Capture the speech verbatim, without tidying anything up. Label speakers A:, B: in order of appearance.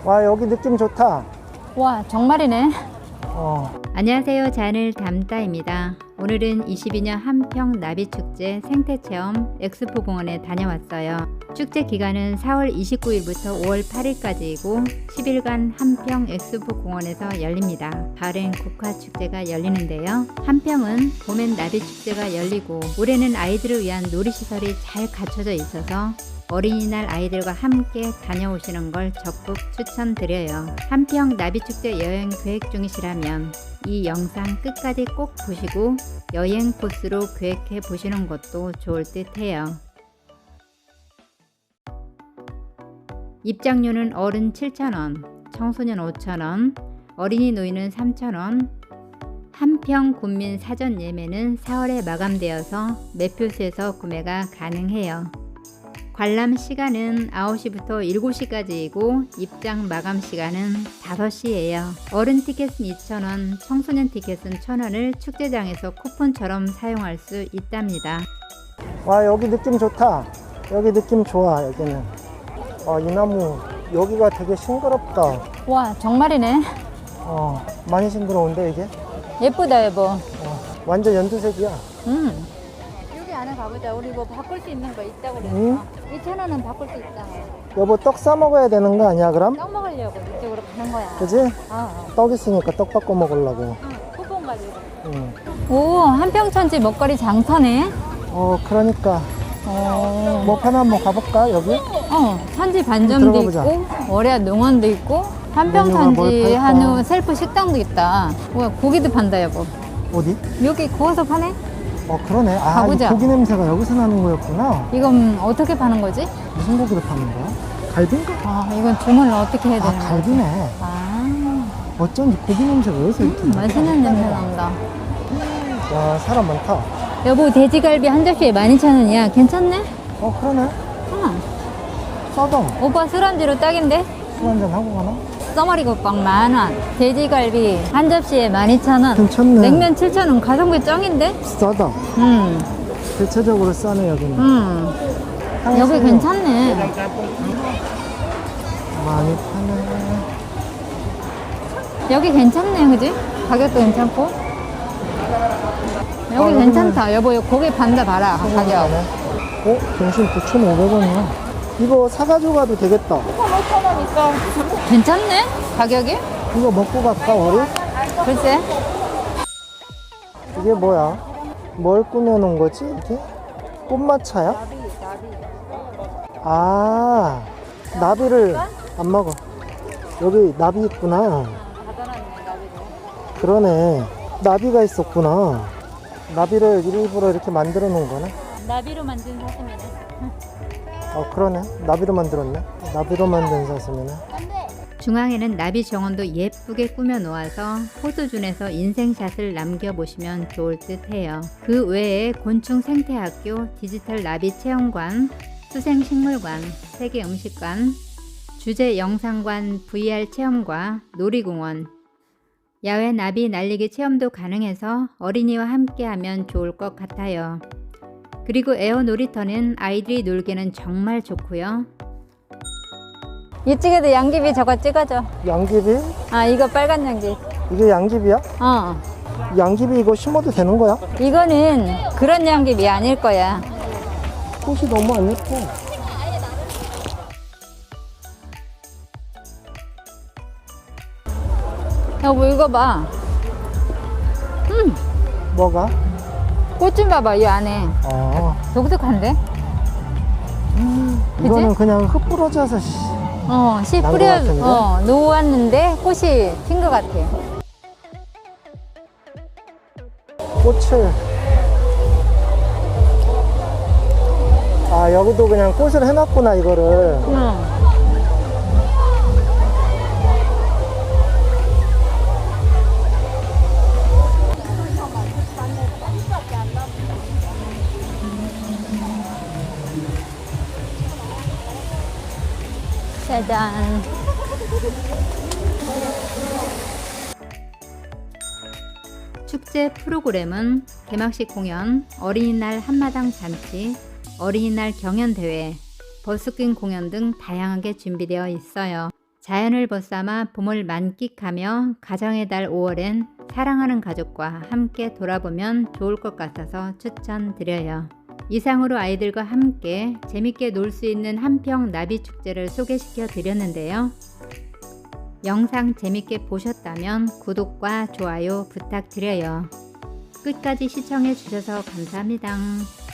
A: 와, 여기 느낌 좋다.
B: 와, 정말이네.
A: 어.
B: 안녕하세요. 잔을 담다입니다. 오늘은 이십이 년 한평 나비축제 생태체험 엑스포 공원에 다녀왔어요. 축제 기간은 사월 이십구일부터 오월 팔일까지이고 십 일간 한평 엑스포 공원에서 열립니다. 가을엔 국화축제가 열리는데요. 한평은 봄엔 나비축제가 열리고 올해는 아이들을 위한 놀이시설이 잘 갖춰져 있어서 어린이날 아이들과 함께 다녀오시는 걸 적극 추천드려요. 한평 나비축제 여행 계획 중이시라면 이 영상 끝까지 꼭 보시고 여행 코스로 계획해 보시는 것도 좋을 듯 해요. 입장료는 어른 칠천 원, 청소년 오천 원, 어린이 노인은 삼천 원. 한평 군민 사전 예매는 사월에 마감되어서 매표소에서 구매가 가능해요. 관람 시간은 아홉 시부터 일곱 시까지이고 입장 마감 시간은 다섯 시예요. 어른 티켓은 이천 원, 청소년 티켓은 천 원을 축제장에서 쿠폰처럼 사용할 수 있답니다.
A: 와, 여기 느낌 좋다. 여기 느낌 좋아, 여기는. 아, 이 나무, 여기가 되게 싱그럽다.
B: 와, 정말이네.
A: 어, 많이 싱그러운데, 이게?
B: 예쁘다, 여보.
A: 어, 완전 연두색이야.
B: 음. 여기 안에 가보자. 우리 뭐 바꿀 수 있는 거 있다고 그랬어.
A: 응?
B: 이천 원은 바꿀 수 있잖아.
A: 여보, 떡 싸 먹어야 되는 거 아니야, 그럼?
B: 떡 먹으려고 이쪽으로 가는 거야.
A: 그지?
B: 어, 어.
A: 떡 있으니까 떡 바꿔 먹으려고.
B: 응, 쿠폰 가지고.
A: 응.
B: 오, 한평천지 먹거리 장터네.
A: 어, 그러니까.
B: 어,
A: 뭐 파나 한번 가볼까, 여기?
B: 어, 천지 반점도
A: 들어가 보자.
B: 있고, 월야 농원도 있고,
A: 메뉴가 뭘
B: 한평천지
A: 팔까?
B: 한우 셀프 식당도 있다. 뭐야, 고기도 판다, 여보.
A: 어디?
B: 여기 구워서 파네?
A: 어, 그러네. 아,
B: 가보자.
A: 이 고기 냄새가 여기서 나는 거였구나.
B: 이건 어떻게 파는 거지?
A: 무슨 고기를 파는 거야? 갈비인가?
B: 아, 이건 주문을 어떻게 해야
A: 아,
B: 되는 거지?
A: 갈비네.
B: 아,
A: 어쩐지 고기 냄새가 여기서 이렇게
B: 음,
A: 나.
B: 맛있는 냄새 난다.
A: 와, 사람 많다.
B: 여보, 돼지갈비 한 접시에 만 이천 원이야. 괜찮네?
A: 어, 그러네.
B: 응.
A: 싸다.
B: 오빠 술안주로 딱인데?
A: 술 한잔 하고 가나?
B: 써머리국밥 만 원, 돼지갈비 한 접시에 만 이천 원,
A: 괜찮네.
B: 냉면 칠천 원, 가성비 짱인데?
A: 싸다.
B: 응,
A: 대체적으로 싸네, 여기는.
B: 응.
A: 향이
B: 여기
A: 세요.
B: 괜찮네.
A: 많이 파네.
B: 여기 괜찮네, 그지? 가격도 괜찮고. 여기
A: 어,
B: 괜찮다. 여보, 여기 고기 판다 봐라, 가격.
A: 어? 점심 구천오백 원이야. 이거 사가지고 가도 되겠다.
B: 오천 원 있어. 괜찮네? 가격이?
A: 이거 먹고 갈까, 우리?
B: 글쎄.
A: 이게 뭐야? 뭘 꾸며놓은 거지, 이게? 꽃마차야? 아, 나비를 안 먹어. 여기 나비 있구나. 그러네. 나비가 있었구나. 나비를 일부러 이렇게 만들어 놓은 거네.
B: 나비로 만든 사슴이네.
A: 어, 그러네. 나비로 만들었네. 나비로 만든 사슴이네.
B: 중앙에는 나비 정원도 예쁘게 꾸며 놓아서 포토존에서 인생샷을 남겨보시면 좋을 듯 해요. 그 외에 곤충 생태학교, 디지털 나비 체험관, 수생식물관, 세계 음식관, 주제 영상관 브이알 체험과 놀이공원, 야외 나비 날리기 체험도 가능해서 어린이와 함께하면 좋을 것 같아요. 그리고 에어 놀이터는 아이들이 놀기는 정말 좋고요. 이쪽에도 양귀비 저거 찍어줘.
A: 양귀비?
B: 아, 이거 빨간 양귀.
A: 이게 양귀비야?
B: 어,
A: 양귀비 이거 심어도 되는 거야?
B: 이거는 그런 양귀비 아닐 거야.
A: 꽃이 너무 안 예뻐.
B: 여보, 이거 봐. 음,
A: 뭐가?
B: 꽃 좀 봐봐, 이 안에.
A: 어.
B: 독특한데? 그치?
A: 이거는 그냥 흙 부러져서 씨.
B: 어, 씨
A: 난것
B: 뿌려,
A: 같은데?
B: 어, 놓았는데 꽃이 핀 것 같아.
A: 꽃을. 아, 여기도 그냥 꽃을 해놨구나, 이거를.
B: 응. 짜잔. 축제 프로그램은 개막식 공연, 어린이날 한마당 잔치, 어린이날 경연대회, 버스킹 공연 등 다양하게 준비되어 있어요. 자연을 벗삼아 봄을 만끽하며 가정의 달 오월엔 사랑하는 가족과 함께 돌아보면 좋을 것 같아서 추천드려요. 이상으로 아이들과 함께 재밌게 놀 수 있는 한평 나비축제를 소개시켜 드렸는데요. 영상 재밌게 보셨다면 구독과 좋아요 부탁드려요. 끝까지 시청해 주셔서 감사합니다.